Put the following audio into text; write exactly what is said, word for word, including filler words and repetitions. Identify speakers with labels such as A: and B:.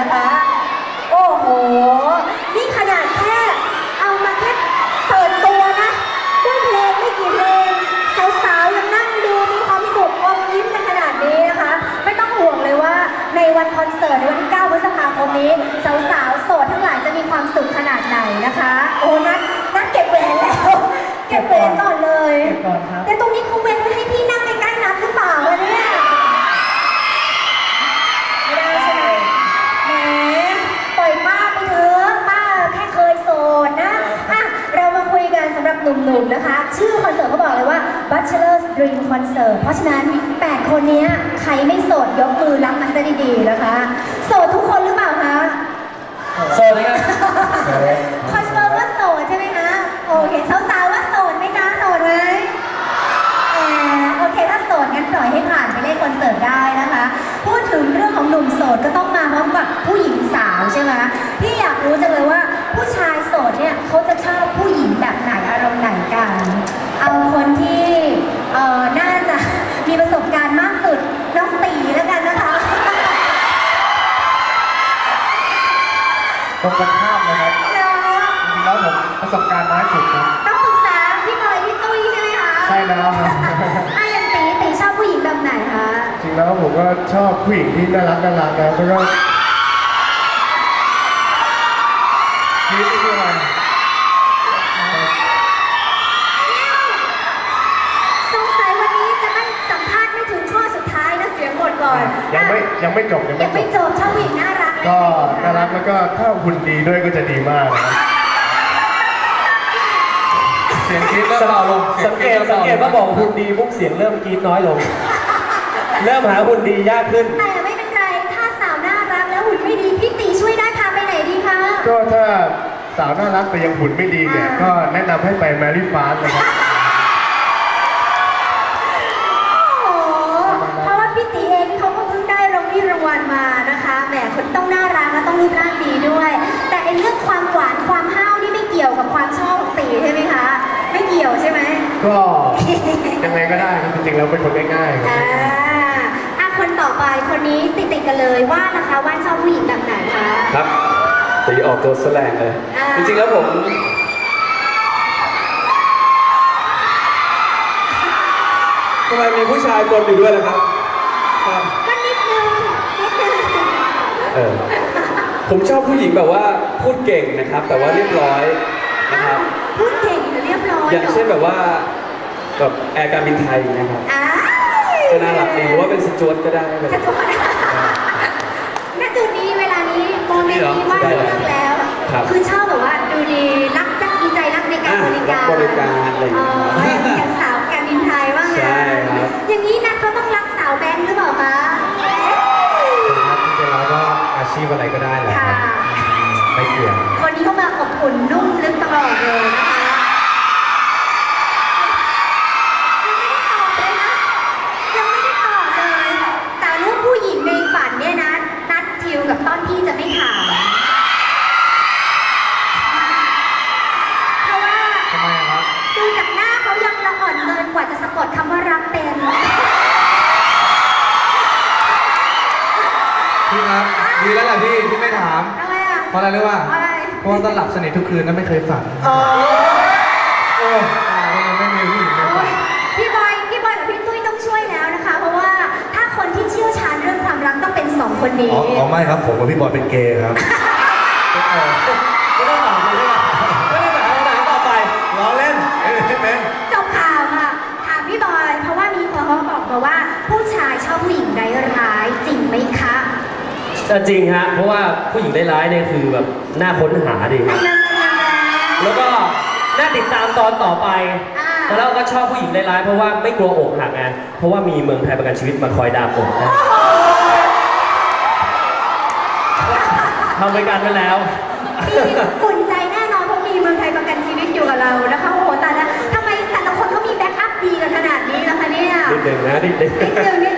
A: นะคะโอ้โหนี่ขนาดแค่เอามาแค่เปิดตัวนะด้วยเพลงไม่กี่เพลงสาวๆยังนั่งดูมีความสุขอมยิ้มกันขนาดนี้นะคะไม่ต้องห่วงเลยว่าในวันคอนเสิร์ตในวันที่เก้าพฤษภาคมนี้สาวๆโสดทั้งหลายจะมีความสุขขนาดไหนนะคะโอ้นัดนัดเก็บแหวนแล้วเก็บแหวนก่อนเลย
B: เก็บก่อนครับ
A: แต่ตรงนี้เขาเว้นไว้ให้พี่นั่งใกล้ๆนัดหรือเปล่าเนี่ยไม่ได้ใช่ไหมแหมปล่อยป้าไปเถอะป้าแค่เคยโสดนะอ่ะเรามาคุยกันสำหรับหนุ่มๆนะคะชื่อคอนเสิร์ตเขาบอกเลยว่า Bachelor's Dream Concert เพราะฉะนั้นแปดคนนี้ใครไม่โสดยกมือรับมันซะดีๆนะคะโสดทุกคนหรือเปล่าคะ
B: โสดเลยครับ
A: คอนเฟิร์มว่าโสดใช่ไหมคะโอเคสาวๆว่าโสดไหมจ๊ะโสดไหมแหมโอเคถ้าโสดงั้นปล่อยให้ผ่านไปเล่นคอนเสิร์ตได้นะคะพูดถึงเรื่องของหนุ่มโสดก็ต้องมาพร้อมกับผู้หญิงสาวใช่ไหมพี่อยากรู้จังเลยว่าผู้ชายโสดเนี่ยเขาจะชอบผู้หญิงแบบไหนอารมณ์ไหนกันเอาคนที่เอ่อน่าจะมีประสบการณ์มากสุดน้องตีแล้วกันนะคะ
B: ตรงกันข้ามนะครับจริงๆแล้วผมประสบการณ์น้อยสุดนะ
A: ต้องปรึกษาพี่บอยพี่ตุ้ยใช่ไหมคะ
B: ใช่แล้วครับ
A: อ่ะอย่างตีตีชอบผู้หญิงแบบไหนคะ
B: จริงแล้วผมก็ชอบผู้หญิงที่น่ารักน่ารักนะแล้วก็ชีวิตที่อะไร
A: สงสัยวันนี้จะไม่สัมภาษณ์ไม่ถึงข้อสุดท้ายนะเสียงหมดก่อน
B: ยังไม่ยังไม่จบ
A: ยังไม่จบชอบผู้หญิงน่ารัก
B: ก็น่ารักแล้วก็ถ้าหุ่นดีด้วยก็จะดีมากนะเสียงกรี๊ดเริ่มเบาลง
C: สังเกตสังเกตว่าบอกหุ่นดีปุ๊บเสียงเริ่มกรี๊ดน้อยลงเริ่มหาหุ่นดียากขึ้น
A: แต่ไม่เป็นไรถ้าสาวน่ารักแล้วหุ่นไม่ดีพี่ตีช่วยได้พาไปไหนดีคะ
B: ก็ถ้าสาวน่ารักแต่ยังหุ่นไม่ดีเนี่ยก็แนะนำให้ไปแมรี่ฟาสนะครับ
A: เพราะว่าพี่ตีเองเขาก็เพิ่งได้รางวัลรางวัลมานะคะแหมคนต้องน่ารักและต้องรูปร่างดีด้วยแต่ไอ้เรื่องความหวานความห้าวนี่ไม่เกี่ยวกับความชอบของตีใช่ไหมคะไม่เกี่ยวใช่ไหม
B: ก็ยังไงก็ได้จริงๆแล้วเป็นคนง่ายๆ
A: อ่าอ่ะคนต่อไปคนนี้ติดติดกันเลยว่านะคะว่าชอบผู้หญิงแบบไหนคะ
C: ครับตีออกตัวแสลงเลยจริงๆแล้วผมทำไมมีผู้ชายปนอยู่ด้วยล่ะครับ
A: ก็นิดนึงนิดนึง
C: เออผมชอบผู้หญิงแบบว่าพูดเก่งนะครับแต่ว่าเรียบร้อยนะครับ
A: พูดเก่งหรือเรียบร้อย
C: อย่างเช่นแบบว่าแบบแอร์การบินไทยนะครับก็น่ารักดีหรือว่าเป็นสจวตก็ได้
A: สจวตณจุดนี้เวลานี้โมเมนต์นี้ว่าเลือกแล้วคือชอบแบบว่าดูดีรักจักมีใจรักในการบริการ
C: บริการอะไรอย่างเงี้ย
A: อย่างสาวการบินไทยว่าไงอย่างนี้นัทเขาต้องรักสาวแบงค์หรือเปล่าคะ
B: ครับจริงๆแล้วก็อาชีพอะไรก็ได้แหละครับไม่เกี่ยว
A: คนนี้เขามาอบอุ่นนุ่มลึกตลอดเลยนะคะยังไม่ได้ตอบเลยนะยังไม่ได้ตอบเลยแต่รูปผู้หญิงในฝันเนี่ยนะนัดทิวกับต้นพี่จะไม่ถามเพราะว่า
B: ทำไมครับ
A: ดูจากหน้าเขายังละอ่อนเกินกว่าจะสะกดคำว่ารักเป็น
D: พี่ครับดีแล้วแหละพี่ที่ไม่ถามเพราะอะไรรู้ป่ะเพราะว่าตอนหลับสนิททุกคืนนั้นไม่เคยฝัน
A: โอ้
D: โอ้ยังไม่มีผู้หญิงเลย
A: พี่บอยพี่บอยกับพี่ตุ้ยต้องช่วยแล้วนะคะเพราะว่าถ้าคนที่เชี่ยวชาญเรื่องความรักต้องเป็นสองคนนี้
D: อ๋อไม่ครับผมกับพี่บอยเป็นเกย์ครับ
C: ไม่ต้องตอบเลยไม่ต้องถามคำถามต่อไปล้อเล่น
D: เป็น
A: จบข่าวค่ะถามพี่บอยเพราะว่ามีคนเขาบอกมาว่าผู้ชายชอบผู้หญิงร้ายจริงไหมคะ
C: จริงฮะเพราะว่าผู้หญิงร้ายเนี่ยคือแบบน่าค้นหาดีครับแล้วก็น่าติดตามตอนต่อไปแล้วเราก็ชอบผู้หญิงร้ายเพราะว่าไม่กลัวอกหักไงเพราะว่ามีเมืองไทยประกันชีวิตมาคอยดามอกนะทำบริการไปแล้ว
A: อุ่นใจแน่นอนเพราะมีเมืองไทยประกันชีวิตอยู่กับเรานะคะโอ้โหแต่ละทำไมแต่ละคนเขามีแบ็กอัพดีกันขนาดนี้ล่ะคะเนี่ย
C: นิดนึงนะนิดนึง
A: นิดนึงนิด